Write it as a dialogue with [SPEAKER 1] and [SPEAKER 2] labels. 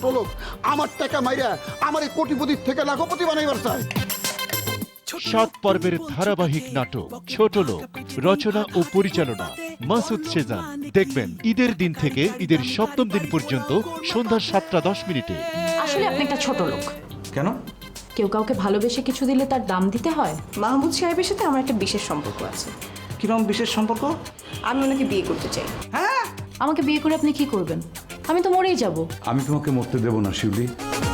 [SPEAKER 1] ছোট লোক আমার টাকা মাইরা আমার এই কোটিপতির থেকে লাখপতি বানাইবার চায়।
[SPEAKER 2] 7 পর্বের ধারাবাহিক নাটক ছোট লোক, রচনা ও পরিচালনা মাসুদ সেজান। দেখবেন ঈদের দিন থেকে ঈদের 7ম দিন পর্যন্ত সন্ধ্যা 7:10
[SPEAKER 3] আসলে আপনি একটা ছোট লোক।
[SPEAKER 4] কেন?
[SPEAKER 3] কেউ কাউকে ভালোবেসে কিছু দিলে তার দাম দিতে হয়।
[SPEAKER 5] মাহমুদ সাহেবের সাথে আমার একটা বিশেষ সম্পর্ক আছে।
[SPEAKER 4] কিরকম বিশেষ সম্পর্ক?
[SPEAKER 5] আমি ওনাকে বিয়ে করতে চাই।
[SPEAKER 3] আমাকে বিয়ে করে আপনি কি করবেন? আমি তো মরেই যাব।
[SPEAKER 6] আমি তোমাকে মরতে দেব না শিউলি।